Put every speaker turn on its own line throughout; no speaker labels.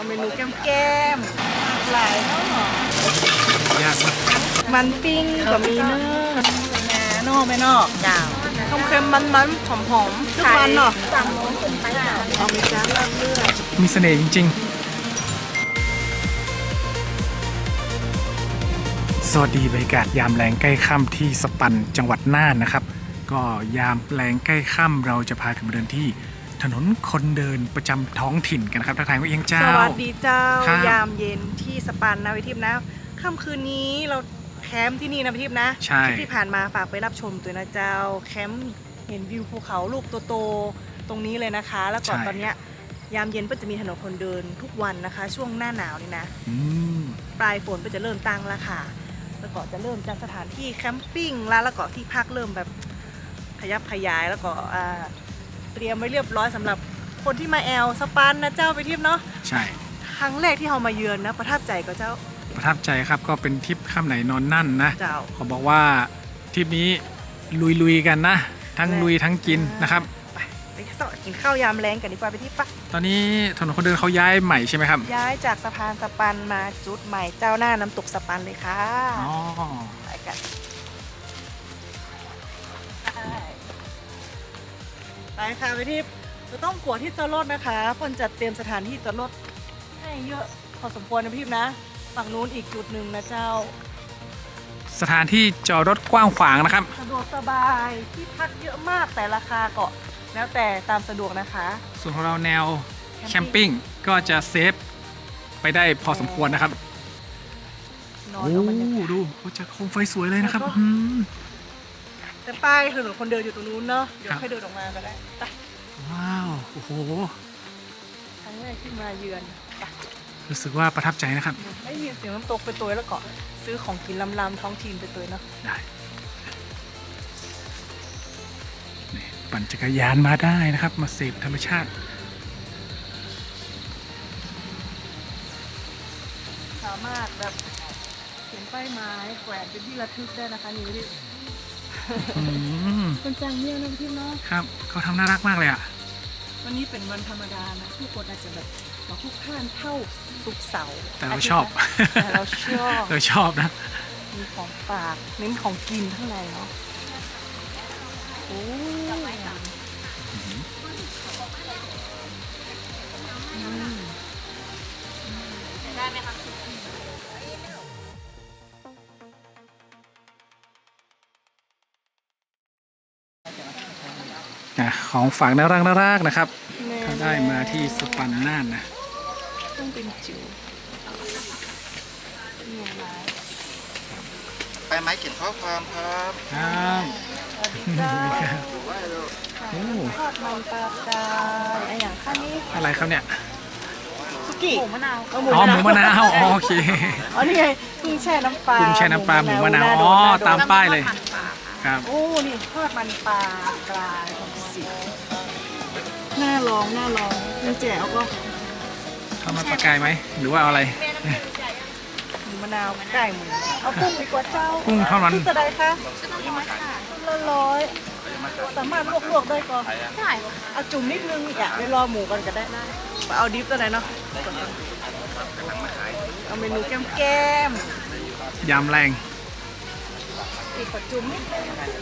เมนูแก้มหลายเนาะ
ยากมาก
มันปิ้งก็มีเนื้อนอกไม่นอกจ้าวเค็มๆมันๆหอมๆทุกวันเนาะเอาไปจ้าลาบเลือด
มีเสน่ห์จริงๆ สวัสดีบรรยากาศยามแรงใกล้ค่ำที่สปันจังหวัดน่านนะครับ ก็ยามแรงใกล้ค่ำเราจะพากันมาเดินที่ถนนคนเดินประจำท้องถิ่นกันนะครับทักทายว่าเอียงเจ้า
สวัสดีเจ้า
ครับ
ยามเย็นที่สปันนะวิทิพย์นะค่ำคืนนี้เราแคมป์ที่นี่นะวิทิพย์นะ
ใช่
ที่ผ่านมาฝากไปรับชมตัวนะเจ้าแคมป์เห็นวิวภูเขาลูกโตๆตรงนี้เลยนะคะ แล้วก็ตอนเนี้ยยามเย็นก็จะมีถนนคนเดินทุกวันนะคะ ช่วงหน้าหนาวนี่นะ
อืม
ปลายฝนก็จะเริ่มตั้งแล้วค่ะ แล้วก็จะเริ่มจากสถานที่แคมปิ้งแล้วก็ที่พักเริ่มแบบขยับขยายแล้วก็เตรียมไว้เรียบร้อยสำหรับคนที่มาแอลสปันนะเจ้าไปเที่ยวเนาะ
ใช่
ครั้งแรกที่เรามาเยือนนะประทับใจก็เจ้า
ประทับใจครับก็เป็นทริปค่ำไหนนอนนั่นนะ
เจ้า
เขาบอกว่าทริปนี้ลุยๆกันนะ ทั้งลุยทั้งกินนะครับ
ไปต่อกินข้าวยามแรงกันดีกว่าไปที่ปะ
ตอนนี้ถนนคนเดินเขาย้ายใหม่ใช่ไหมครับ
ย้ายจากสะพานสปันมาจุดใหม่เจ้าหน้าน้ำตกสปันเลยค่ะ
อ๋อ
ไปกันไปค่ะไปที่จะต้องกวดที่จอดรถนะคะคนจัดเตรียมสถานที่จอดรถให้เยอะพอสมควรนะพี่นะฝั่งนู้นอีกจุดหนึ่งนะเจ้า
สถานที่จอดรถกว้างขวางนะครับ
สะดวกสบายที่พักเยอะมากแต่ราคาก็แล้วแต่ตามสะดวกนะคะ
ส่วนของเราแนวแคมปิ้งก็จะเซฟไปได้พอสมควรนะครับ
นอน
โอ้
เอาบรรยากาศ
ดูเขาจะโคมไฟสวยเลยนะครับ
แล้วก็
อืม
แต่ป้ายถนนคนเดินอยู่ตรงนู้นเนาะเดี๋ยว
ครับ
ค่อยเดินออกมาก็ได้ไป
ว้าวโอ้โห
ครั้งแรกที่มาเยือนไป
รู้สึกว่าประทับใจนะครับ
ได้ยินเสียงน้ำตกไปตัวแล้วก็ซื้อของกินลำๆท้องถิ่นไปตัวเนาะ
ได้นี่ปั่นจักรยานมาได้นะครับ มาเสพธรรมชาติ
สามารถแบบเขียนป้ายไม้แขวนเป็นที่ระทึกได้นะคะนี่พี่
อืม
คนจังเนี่ยนะพี่เนาะ
ครับเขาทำน่ารักมากเลยอ่ะ
วันนี้เป็นวันธรรมดานะทุกคนอาจจะแบบมาคุกข้านเท่าศุกร์เสาร์
แต่เราชอบ
แต่เราชอบ
เราชอบนะ
มีของฝากเน้นของกินข้างในเนาะโอ้ได้ไหมคะ
ของฝากน่ารักนะครับถ้าได้มาที่สปันน่านนะ
ต้องเป็นจิ๋วเนี่ยนะ
ไปไม้เขียนข้อความครับ
ครับ
สวัสดีจ้า
โอ้
ทอดมันปลากายไอ้อย่างข้างนี้
อะไรครับเนี่ย
สุกี้หมูมะนาว
อ๋อหมูมะนาวอ๋อโอเค
อ๋อนี่ไงกุ้งแช่น้ำปลา
กุ้งแช่น้ำปลาหมูมะนาวอ๋อตามป้ายเลยครับ
โอ้นี่ทอดมันปลากรายของสีน่าลองมีแจ่วก็
เข้ามาปลากายไหมหรือว่าเอาอะไร
หมูมะนาวไก่หมูเอากุ้งดีกว่าเจ้า
กุ้งเท่านั้น
กุ้งจะได้คะละ100สามารถลวกๆได้ก็ได้เอาจุ่มนิดนึงอยากไปรอหมูกันก็ได้เอาดิฟตัวไหนเนาะเอาเมนูแก้ม
ยำแรง
อีกขอจุ่มนิดนึง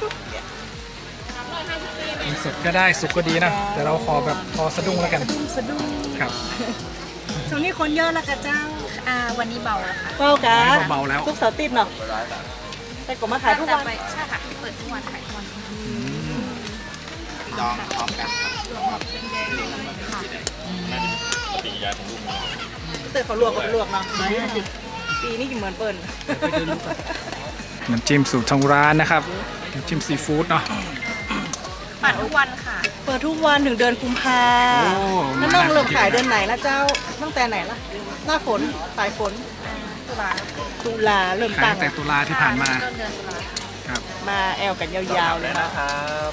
สดก็ได้สุกก็ดีนะแต่เราขอแบบพอสะดุ้งแล้วกัน
สะดุ้ง
ครับ
ช่วงนี้คนเยอะแล้วกะเจ้า
วันนี้เบาแล้วค่ะ
เบากัน
เบาๆแล้ว
ทุกเสาร์ติดเนาะแต่ก็มาขายทุกวัน
ใช่ค่ะ เปิดทุกวันขายทุกวัน
จองพร้อมกันครับ
เตยเขาลวกกับลวกเนาะปีนี้อยู่เหมือนเปิ้ล
น้ำจิ้มสูตรทางร้านนะครับน้ำจิ้มซีฟู้ดเนาะ
ปั่นทุกวันค่ะ
เปิดทุกวันถึงเดือนกุมภา
โอ้
แล้วน้องเริ่มขายเดือนไหนละเจ้าตั้งแต่ไหนล่ะหน้าฝนปลายฝน ตุลาเริ่ม
ขาย
ตั้
ตั้
ง
งแต่ตุลาที่ผ่านมา
ต้นเดือนตุลา
ครับ
มาแอลกันยาวๆเลยนะ
ครับ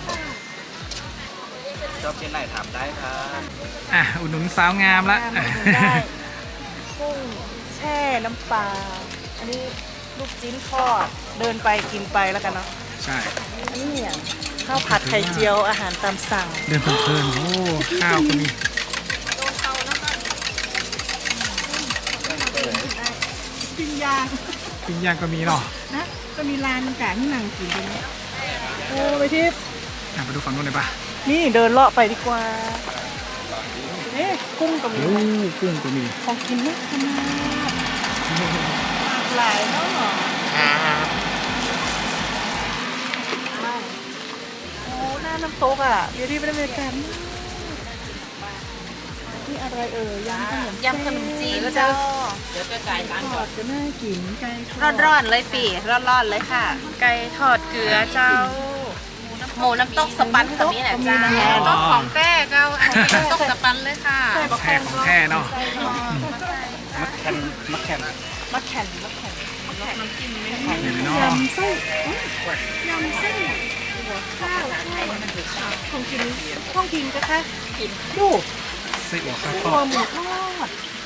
ชอบที่ไหนถามได้ครับ
อ่ะอุดหนุนสาวงามละ
ได้กุ้งแช่น้ำปลาอันนี้ลูกจิ้นทอดเดินไปกินไปแล้วกันเนาะ
ใช่
อันนี้เนี่ยข้าวผัดไข่เจียวอาหารตามสั่ง
เดินเพลินๆโอ้ข้าวก็มี
นย่าง
ปิ้งย่างก็มีเนาะ
นะก็มีร้านกลางที่นั่งกินตรงนี้โอ้ไปทิพย์
ไปดูฝั่งนู้นเลยปะ
นี่เดินเลาะไปดีกว่าเอ๊ะกุ้งกับหมู
โอ้กุ้งก็มี
ของกินนะขนาดหลายเนาะโอ้หน้าน้ำตกอ่ะเดี๋ยวที่ไปได้บรรยากาศนี่อะไรยำขนมจีนแล้วเจ้าทอดก็น่ากินไก่ทอด
ร้อนๆเลยปีร้อนๆเลยค่ะ ไก่ทอดเกลือเจ้า หมูน้ำตกสปันกับนี่แหละเจ้าต้องของแป้เจ้าอันนี้น้ำตกสปันเลยค่ะ
แท้ของแท้เนาะ
มักแคนมักแคน
มะแข่น
เห็นเนาะ
ยำไส้ยำไส้ข้าวของกินของกินก็ค่ะกินดู
ไส้อั่วข้าว
ไส้
ท
อั
อ
ว
ด
หมูทอด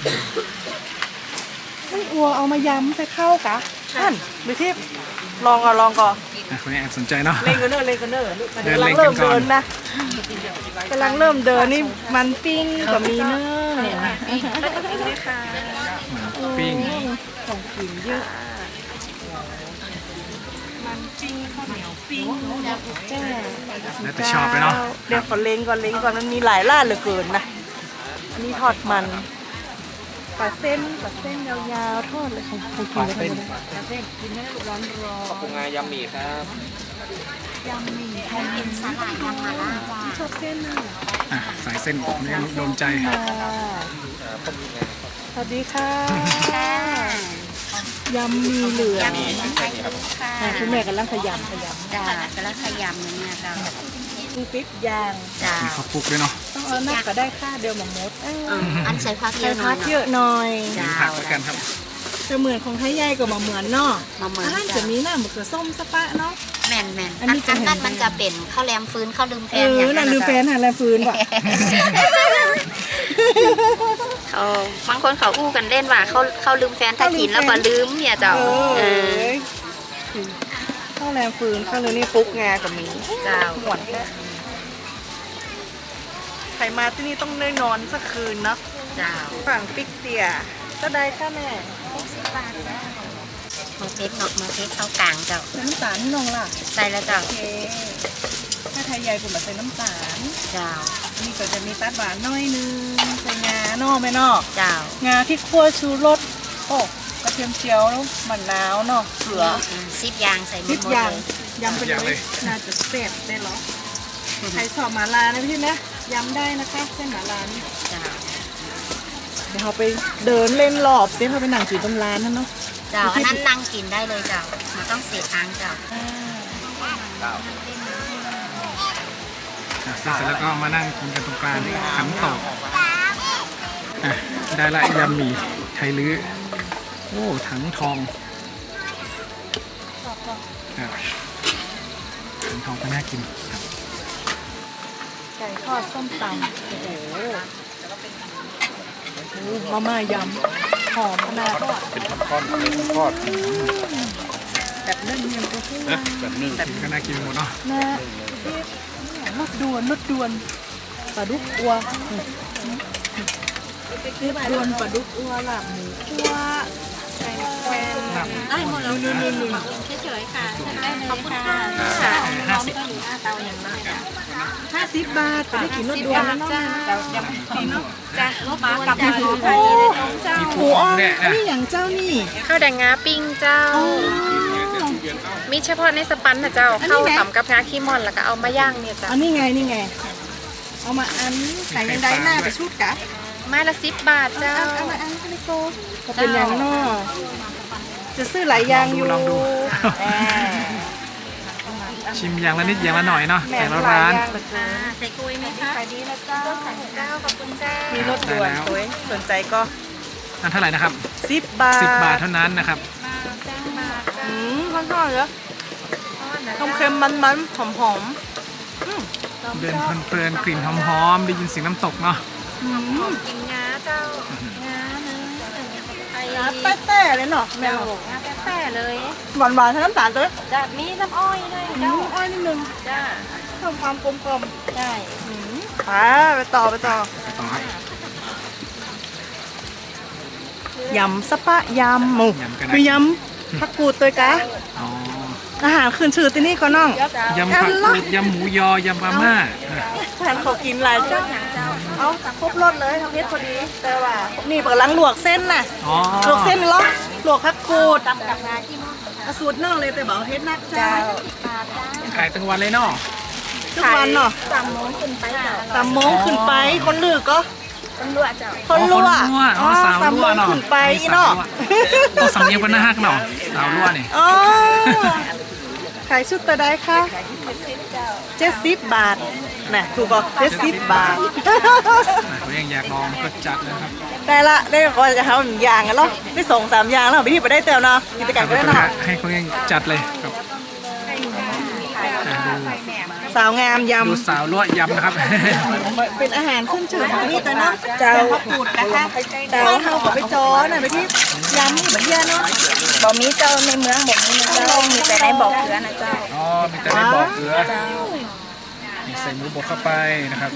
ไส้อัวเอามายำใส่ข้าวกะนั่นไปที่ลองก่อน
คนนี้แอบสนใจเนาะ
เล่นกันเนอร์
เดิน
กำลัง
เล่น
เริ่
กัน
ม
ก่อน
เดินนะกำลังเริ่มเดินนี่มันปิ้งกับมีเนอร์
ปิ้ง
ของกินเยอะมันปิ้งข้าวเหนียวปิ้งแจ้
แล้วแต่ชอบเลยเนาะ
เดี๋ยวขอเล้งก่อนมันมีหลายร้านเหลือเกินนะอันนี้ทอดมันปลาเส้นยาวๆทอดเลยของกินเลยปลาเส้นกินให้ร้อนร้อน
ปรุงงายำหมี่ครับ
ยำหมี่ไทยเป็นสาหร่ายยำมาล่าชอบเส้นน่ะ
สายเส้นนี่โดนใจ
สวัสดีค่ะยำหมี่เหลือง คุณแม่กำลังขยำ
จ้ากระขยำเนี่ยเจ้า
มีพริกยาง
จ้า
มีข้าวคลุกด้วยเนาะ
ต้องเอานักก็ได้ค่าเดียวหมอมด
อันใส่ผักเย
ใส่
อะหน่
พั
อย
กเยอะหน่อย
มีผักแล้วกันครับ
จะเหมือนของไทยใหญ่กับมาเหมือนเนาะ
มาเหมือน
อาหารจะมีหน้าหมึกกับส้มสะปะเนาะ
แม่น
อันนี้จะ
อัน
เห็น
นั้นมันจะเป็นข้าวแรมฟื้นข้าวลืมแฟ
เอน
อย่าง
อ
นั้
นั่
น
นลืมแฟนหาแลฟืนว่ะ
เขาบางคนเขาอู้กันเล่นว่าเขาลืมแฟนถ้ากินแล้วก็ลืมเนี่ยเจ้า
ข้าวแรมฟืนข้าวเลยนี่ฟุกงากับหมี
เจ้า
หมวนแค่ใครมาที่นี่ต้องได้นอนสักคืนเนาะ
เจ้า
ฝั่งปิกเตียก็ได้ค่ะแม่
มาเทสเนาะมาเทสข้าวกลางเจ้า
ใส่น้ำตาลให้น้องล่ะ
ใส่แล้วเจ้า
โอเคถ้าไทยใหญ่ผมมาใส่น้ำตาล
เจ้า
นี่ก็จะมีตัดหวานน้อยนึงใส่งาเนอกไหมนอก
เจ้าง
าที่คั่วชูรสโอ้กระเทียมเจียวมะนาวเนาะเกลือ
ซิปยางใส่หม
นิ
ด
ด
หมด
อย่าง
เลย
ยำไปเลยน่าจะเสร็จได้หรอใครสอบหมาลานะพี่นะยำได้นะคะเส้นหมาลานี่
เจ้า
เดี๋ยวเราไปเดินเล่นรอบเดี๋ยวเราไปนั่งกินตรงร้านนั่นเนาะ
เจ้าอันนั้นนั่งกินได้เลยเจ้าไม่ต้องเสียตังค์เจ้า
เสร็จแล้วก็มานั่งกินกันตรงกลางขันโตกได้ละยำหมี่ไทยลื้อโอ้ถังทองครับถังทองก็น่ากินครับ
ไก่ทอดส้มตำโอ้โหมาม่ายำหอมขนาด
เป็นทอดทอด
แบบนึ่งยังก็คือ
แบบนึ่ง
ก็น่ากินหมดเนาะ
นะรสด่วนปลาดุกอัวรสด่วนปลาดุกอัวหลับหมูอัวไก่แควน
ได้หมดแล้ว
นู่น
เฉยๆค่ะได้เลยค่ะ
50 บาทจะได้กินรสด่วนแล้วเนาะ
จ้ะรถมากับ
โอ้หมูอ้อมนี่อย่างเจ้านี่
ข้าวแดงงาปิ้งเจ้า
อ๋อ
มีเฉพาะในสปันนะเจ้า
อันนี้
เข้า
ไง
ต่ำกับงาขี้ม่อนแล้วก็เอามาย่างเนี่ยเจ้า
อันนี้ไงเอามาอันไก่ยังได้หน้าไปชุดกะ
ไม้ละ10 บาทเจ้า
เอามาอันก็เลยโกก็เป็นอย่างเนาะจะซื้อหลายอย่างอยู่
ลองดู
อ่า
ชิมอย่างละนิดอย่างละหน่อยเนาะ
แหม่
แต่ละ
หลาย
ร้าน
อย่างเหลือเกิน
ใส่กุยไหมคะ
ขายดีนะเจ้า
เจ้าขอบคุณเจ้า
มีรถด่วน
ได้แล้ว
สวยสนใจก็
อันเท่าไหร่นะครับ
10 บาท
10 บาทเท่านั้นนะครับ
ค่อนข้างเยอะเค็มๆมันๆหอม
เดินเพลินๆกลิ่นหอมๆได้ยินเสียงน้ำตกเนาะ
กินงาเจ้า
น้ำแป้ๆเลยเนาะแม่
เจ้า
บอก
งาแป้ๆเลย
หวานๆทั้งน้ำตาลเลย
จะมีน้ำอ้อยด้วย
เจ้า
เจ้า
อ้อยนิดนึง
จ้า
เพิ่มความกลมกล่อม
ใช่
ไปต่อ
ต่อครับ
ยำสปะยำหมู
ยำกันนะ
คือยำผักกูดตัวกะ
อ๋อ
อาหารขึ้นชื่อที่นี่ก็น้อง
ยำผักกูดยำหมูยอยำปลาม่า
ทานเขากินหลายเจ้าเอาครบรสเลยทำเพชรพอดี แต่ว่านี่กำลังลวกเส้นน่ะ
อ๋อ
ลวกเส้นเหรอลวกผักกูดสูตรนอกเลยแต่บอกเพชรนักเจ้า
ขายตั้งวันเลยเนาะ
ทุกวันเนาะ
3 โมงขึ้นไปเจ้า
3 โมงขึ้นไปคนลือก็
ตำรวจเจ้า
คนรั่ว
อ๋อสาว
3
รั่
โม
ว
ง
เนาะ
ขึ้นไปเนาะ
ต้องสำเนียงเป็นหน้าฮักเนาะสาวรั่วนี่
อ๋อขายชุดตัวใดคะ70 บาทน่ะถูกก็70 บาท
เขายังอยากลองก็จัดเลยครับ
ได้ละได้ก็จะทำหนึ่งอย่างกันเนาะได้2-3 อย่างแล้วไปที่ไปได้เตียวเนาะกิจกรรมก็ได้เนาะ
ให้เขายังจัดเลยครับดู
สาวงามย
ดูสาวรั่วยำนะครับ
ำเป็นอาหารขึ้นชื่อของที่นี่ตัวเนาะเจ้าผักกูดนะคะบ้านเฮาก็ไปจอน่ะไปที่ยำนี่เหมือนเดียวเนาะ
บ่มีเจ้าในเมืองบ่มีนะเจ้ามีแต่ในบ่อเกลือนะเจ้า
อ๋อ มีแต่ได้บอกเกลือมีใส่หมูบดเข้าไปนะครับ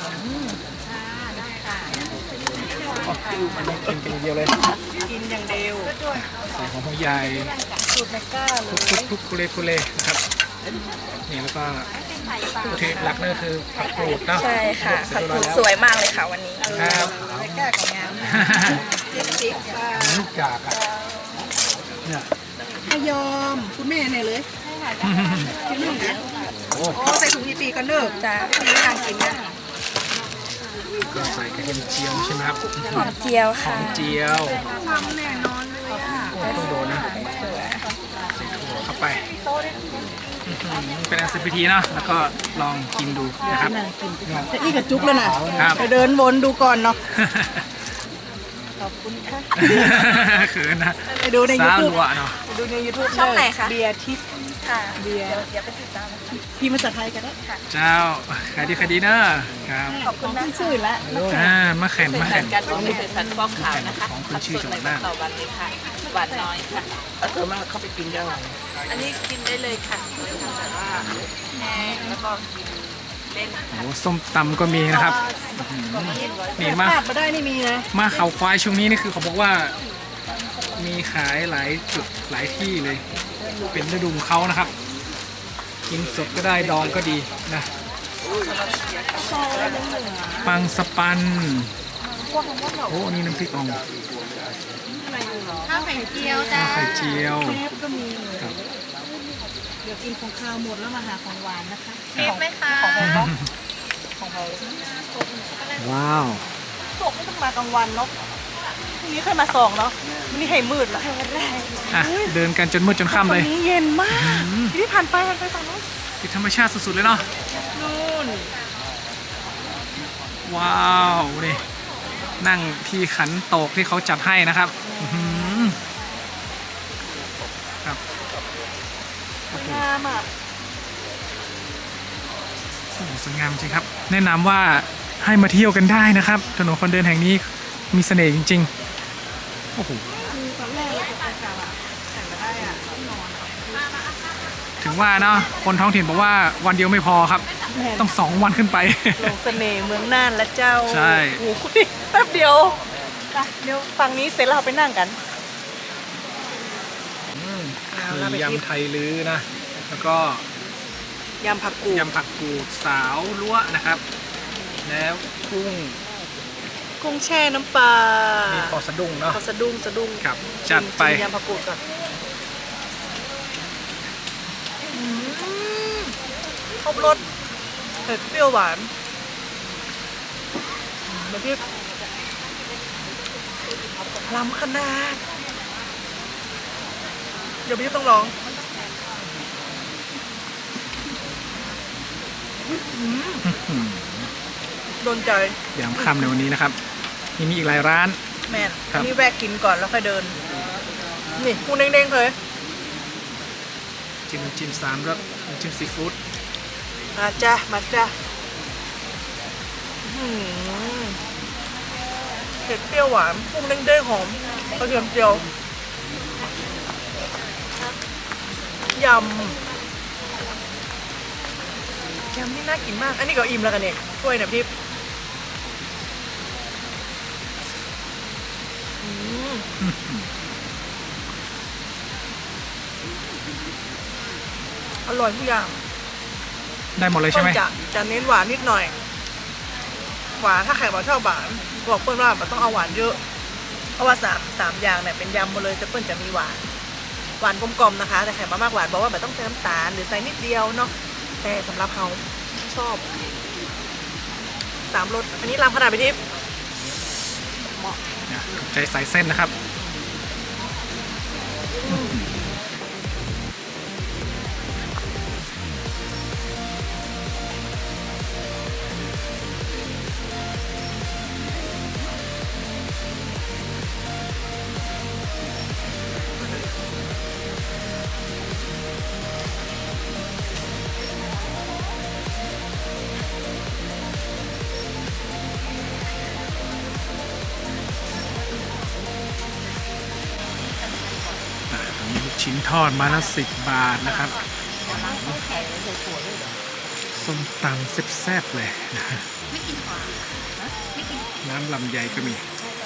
อ๋ออันนี้กินเป็นอย่างเดียวเลย
กินอย่างเดียว
ใส่หอมหัวใหญ่
สูตรในก้าเลย
ทุกคุเล่นะครับนี่แล้วก็วัตถุดิบหลักนั่นก็คือผักกรูดเนาะ
ใช่ค่ะ
เสร็จ
ผัก
เรียบร้อยแล้ว
กูดสวยมากเลยค่ะวันนี้
ครับ
ในก้าของงาม70 ค่ะ
ลูกกากอ่ะเนี่ย
พยอมคุณแม่เนี่ยเลยกินนึ่งนะ
โอ้
โอ้ใส่ถุงยี่ปีกันเด้อ
จ้า
ปีทางกินนะ
ก็ใส่กระเทียมเจียวใช่ไหมครับ
หอมเจียว
หอ
ค่ะ
มเจียว
แน่นอนเลยอ่ะ
โอ้ต้องโดนนะใส่ถั่วเข้าไปเป็นอันเสร็จพิธีเนาะแล้วก็ลองกินดูนะครับ
แต่อีกกับจุกแล้วนะครับ ไปเดินวนดูก่อนเนาะขอบคุณค่ะ
เขินนะ
ไปดูใน
สาว
YouTube
รัวเนาะ
ไปดูใน YouTube
ช่องไหนคะ
เบียร์ทิพย์
ค่ะ
เบียร์
เดี๋ยวไปติดตาม
พี่ภาษาไทยกันได้
เจ้าขายดีขายดีเนอะครับ
ขอบคุณที่ชื่อละ
มาแข่งมาแข่ง
การบ่มีเศษสันฟอกขาวนะคะ
ของคุณชื่อจังหวัดน่าน
ต่อวันเลยค่ะหวานน้อยค่ะ
เข้าไปกินยังไง
อันนี้กินได้เลยค่ะโดยทำแบบว่าแห้งแล้วก็กินเล่น
โอ้ส้มตำก็มีนะครับนี่มา
ภาพมาได้นี่มีนะ
มาเขาควายช่วงนี้นี่คือเขาบอกว่ามีขายหลายจุดหลายที่เลย เป็นฤดูของเขานะครับ กินสดก็ได้ดองก็ดีนะปังสปันโอ้นี่น้ำพริกอ่อง
ข้าวไข่เจียวจ้า
ข้าวไข่เจียว
เทปก็มีเลย
ครับ
เดี๋ยวกินของข้าวหมดแล้วมาหาของหวานนะคะ
เทปไหมคะ
ว้าว
ตกไม่ต้องมากลางวันเนาะพรุ่งนี้ค่อยมาส่องเนาะวันนี้ให้มืดละ
อ่ะเดินกันจนมืดจนค่ำเลย
วันนี้เย็นมากที่ผ่านไปฝั่งนู้น
ติดธรรมชาติสุดๆเลยเนาะ
นู่น
ว้าวนี่นั่งที่ขันโตกที่เขาจัดให้นะครับอื้อหือครับ
งามอ่ะ
โอ้โหสวยงามจริงครับ แนะนำว่าให้มาเที่ยวกันได้นะครับ ถนนคนเดินแห่งนี้มีเสน่ห์จริงๆโอ้โห
คือตอนแรกเราจะไปกลับอ่ะแต่ไม่ได้อ่ะต้องนอน
ถึงว่าเนาะคนท้องถิ่นบอกว่าวันเดียวไม่พอครับ ต้อง2 วันขึ้นไป
ลงเสน่ห์เมืองน่านและเจ้า
ใช่
โอ้โหแป๊บเดียวไปเดี๋ยวฝั่งนี้เสร็จแล้วเราไปนั่งกัน
มียำไทยลื้อนะ แล้วก็
ยำผักกูด
ยำผักกูดสาวล้วนะครับ แล้วกุ้ง
กุ้งแช่น้ำปลา
มีปอสะดุ้งเนาะ
ขอสะดุ้งสะดุ้ง
ครับจัดไป
ชิมยำผักกูดก่อนอืมครบรสเผ็ดเปรี้ยวหวานมาที่ล้ำขนาดเดี๋ยวพี่ต้องลองโดนใจ
ยำค่ำในวันนี้นะครับยังมีอีกหลายร้าน
แม่น
ครับ
นี่แวะกินก่อนแล้วค่อยเดิน นี่กุ้งเด้งๆเลย
จิ้ม3 รสจิ้มซีฟู้ด
มาจ้ะมาจ้ะอื้อหือเผ็ดเปรี้ยวหวานกุ้งเด้งๆหอมกระเทียมเจียวยำนี่น่ากินมาก อันนี้ก็อิ่มแล้วกันเนี่ยถ้วยเนี่ยพี่อืมอร่อยทุกอย่าง
ได้หมดเลยใช่ไหม
จะเน้นหวานนิดหน่อย หวานถ้าใครบอกชอบหวานบอกเปิ้ลว่ามันต้องเอาหวานเยอะ เพราะว่าสามอย่างเนี่ยเป็นยำหมดเลยแต่เปิ้ลจะมีหวานกลมๆนะคะ แต่ใครมามากหวานบอกว่าแบบต้องใส่น้ำตาลหรือใส่นิดเดียวเนาะแต่สำหรับเขาชอบ3 รสอันนี้รำขนาดไปทิพย์
ใจใส่เส้นนะครับมีลูกชิ้นทอดมาละ10 บาทนะครับส้มตำแซ่บๆเลยน้ำลำไยก็มี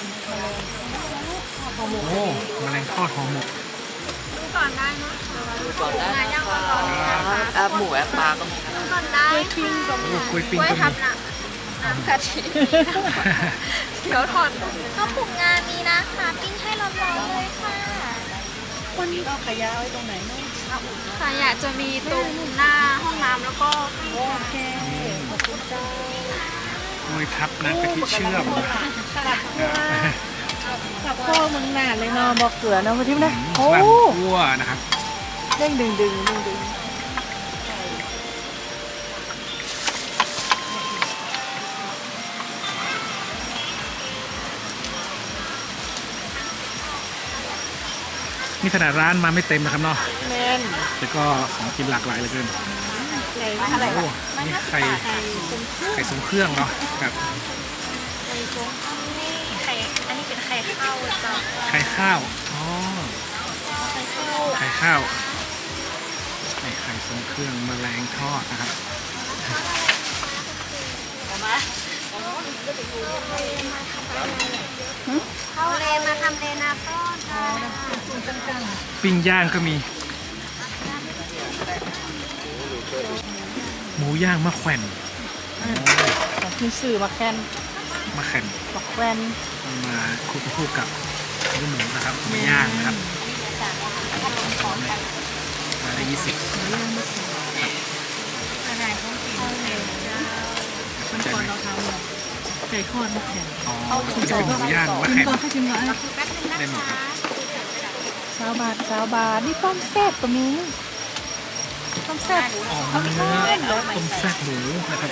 โอ้แมลงทอดห่อหมก
ก่อนได้นะก่อนได้แอปหมูแอปปลาก็มีก่อนได้
โอ้กล้วยปิ้ง
กล้วย
ก็
ทับ
มี
น้ำกะทิเขียวทอด
ข้าวปลุกงานมีนะคะปิ้งให้ร้อนๆเลยค่ะ
วันนี้เอาขยะไว้ตรงไหนเนาะ
ค่ะอยากจะมีตรงหน้าห้องน้ำแล้วก็
โอเคขอบคุณเจ้าก
ล้วยทับน้ำกะทิเชื่อม
กับพ่อมึงหนาเลยเนาะบอกเกลือเนาะพี่ทิพย์นะโอ้
ลำคั่วนะครับ
เด้งดึง
นี่ขนาดร้านมาไม่เต็มนะครับเนาะ
แมน
แต่ก็ของกินหลากหลายเหลือเกิน
อะไร
โอ้นี่ไข่ทรงเครื่องเนาะครับ
ไข่อันนี้เป็นไข่ข้าวจ้ะ
ไข่ข้าวอ๋อไข่ข้าวนี่ไข่ทรงเครื่องแมลงทอดนะครับ
ข้าวเลมาทำเลนาต้อนค่ะ
ปิ้งย่างก็มี หมูย่างมะแขวน
ของพี่สื่อมาแคน
มะแขวน
บอกแวน
เอามาคลุกคู่กับเนื้อหมูนะครับมาย่างนะครับมาได้20สนใจไหม
ไก่ทอดมาแคน
อ๋อจะเป็นหมูย่างมะแขวน
ก็ให้ชิมก่อน
ได้หมดครับ
20 บาทนี่ต้มแซ่บก็มีต้มแซ่บ
อ๋อเนื้อต้มแซ่บหมูนะครับ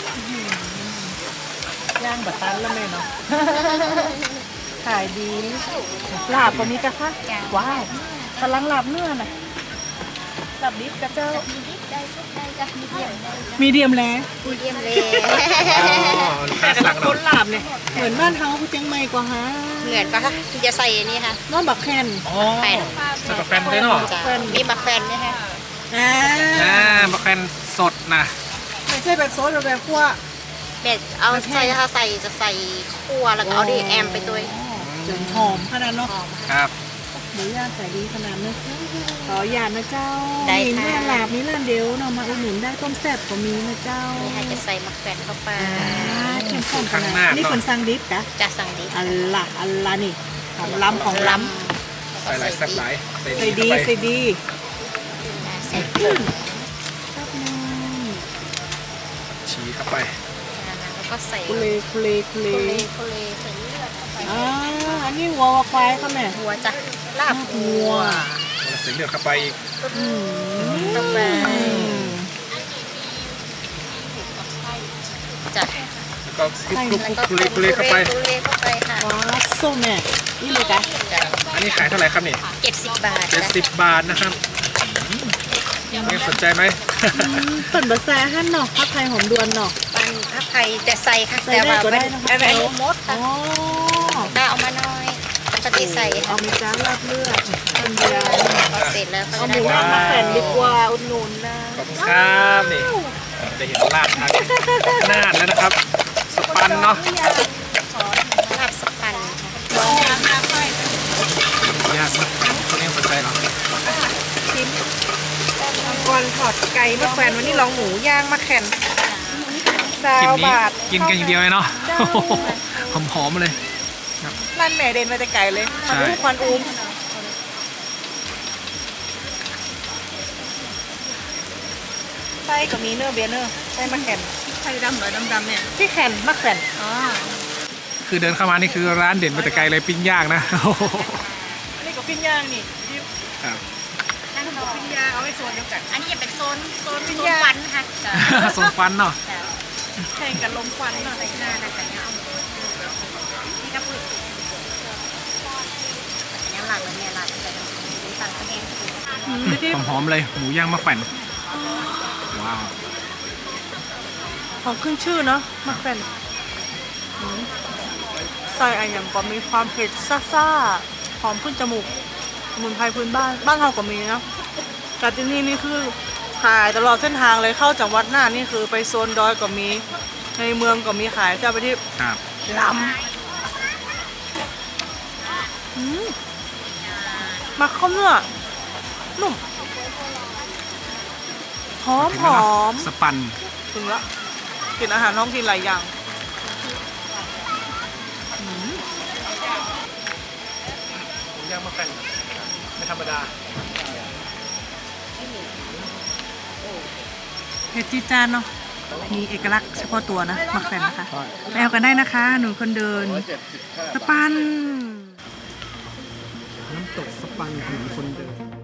ย่างแบบตันแล้วแม่เนาะ ขายดีลาบก็มีกะคะว้าวกำลังลาบเนื้อน่ะลาบดิบกะเจ้า
มีดิบได้ทุกได้จ้ะมีเดียมได้
มีเดียมแล้ว
มีเดียมเลย
อ๋อลูกค้าสั่ง
ค
เรา
นลาบเนี่ยเหมือนบ้านเฮาผู้เจียงใหม่กว่าฮะ
เหมือนปะคะที่จะใส่อันนี้ค่ะ
น้องบักแคน
อ๋อใส่มะแขวนได้เนาะ
จ้ะมีบักแฟนไหมคะ
อ่าม
ะแขวนสดนะ
ไม่ใช่แบบโซดแบบคั่ว
แบบเอาใส่ถ้าใส่จะใส่คั่วแล้วก็เอาดีแอมไปด้วย
จนหอมขนาดเนาะ
ครับ
หมูย่างใส่ดีขนาดเนอะขออย่านะเจ้า
ได้
มี
ค่ะ
แม่ลาบมีร้านเดียวเนาะมาอุดหนุนได้ต้มแซ่บก็มีนะเจ้า
นี่ค่ะจะใส่มักแฟนเข้าไป
เข้มข้นขนาดนี่คนสั่งดิบกะ
จะสั่งดี
อัลละนี่ของล้ำของล้
ใส่หลายแซ่บหลาย
ำใส่ดี
เข้าไป
ใส่ดี
ใส่เครื่อง
ชี้เข้าไป
แล้วก็ใส่
คุเลคุเลคุเล
โคเลใส่เลือดเข้าไป
อันนี้วัวควายเขาแม่
หัวจ้ะลาบหั
วั
ว
ว
แล้วใส่เลือดเข้าไปอีก
เข้าไปจ้ะ
แล้วก็คลุก
แล้วก็
คุเลคุเลเข้าไป
คุเลเข้าไปค่ะ
ว้าส้มแม่นี่เลยกะ
จ้ะ
อันนี้ขายเท่าไหร่ครับนี่
70 บาทจ้ะ
70 บาทนะครับนี่สนใจไหม
เปิดบะแซ่หั่นเนาะผักไทยหอมดวนเนาะ
ปันถ้าใครแต่ใส่ค่ะ
ใส่
แต่
ได้
ว่า
ก็ได้
เป็น
นะคะ
อะไรมด
อ๋
ค่ะ
อ
ถ้าเอามาน้อยปกติใส่
เอา
ค่ะ
มีจ้าลาบเลือดคนเดียว
พอเสร็จแล้วก็
เอาห
ได้
มูย่างมาแผ่นดีกว่าอุดหนุนนะ
ขอบคุณครับนี่จะเห็นลาดทางน่านแล้วนะครับ สปันเนาะ
ลาบสปันค่ะ
ก่อนถอดไก่มาแขวนวันนี้ลองหมูย่างมาแข่นซา
คลิป
ว
นี้
บาท
กินกันอย่างเดียวเลยเนาะ
เจ้า
หอมๆเลย
ร้านแม่เด่นมาแต่ไก่เลย
ใช่
ควันอุ้มควันอุ้มไส้ก็มีเนื้อเบียร์เนื้อไส้มาแข่น
ไข่ดำหน่อยดำๆเนี่ย
ที่แข่นมาแข่น
อ๋อ
คือเดินเข้ามานี่คือร้านเด่นมาแต่ไกลเลยปิ้งย่างนะ
อันนี้ก็ปิ้งย่างนี่
ครับ
นั่งรอ
ปิ้งย่างเอาไว้ส่วนเดียวกัน
อันนี้จะเป็นโซน
ปิ้ง
โซน
ย่าง
ควันค่ะ
ส่งฟันเนาะ
แข่งกันลมควันหน่อย
หน้าน่าจะเงานี่ก็พูดยังหลังเลยเนี่ยหลังเลยสั่งกระเทียม
หอมๆเลยหมูย่างมะแขวนว้าว
ของขึ้นชื่อเนาะมาแข่นใส่อะไรอย่างก็มีความเผ็ดซ่าๆหอมขึ้นจมูกสมุนไพรพื้นบ้านบ้านเราก็มีเนาะแต่ที่นี่นี่คือขายตลอดเส้นทางเลยเข้าจากวัดหน้านี่คือไปโซนดอยก็มีในเมืองก็มีขายจะไปที่
ครับ
ลำมาข้าวเนื้อนุ่มหอม
ถึง
ห
แล้ว
อ
เนาะ
ม
สปัน
ถึงละกินอาหารท้องถิ่นหลายอย่าง
หมูย่างมะแขวนไม่ธรรมดา
เผ็ดจีดจานเนาะมีเอกลักษณ์เฉพาะตัวนะมาแขวนนะคะไปเอากันได้นะคะ หนูคนเดิน สปัน
น้ำตกสปันถนนคนเดิน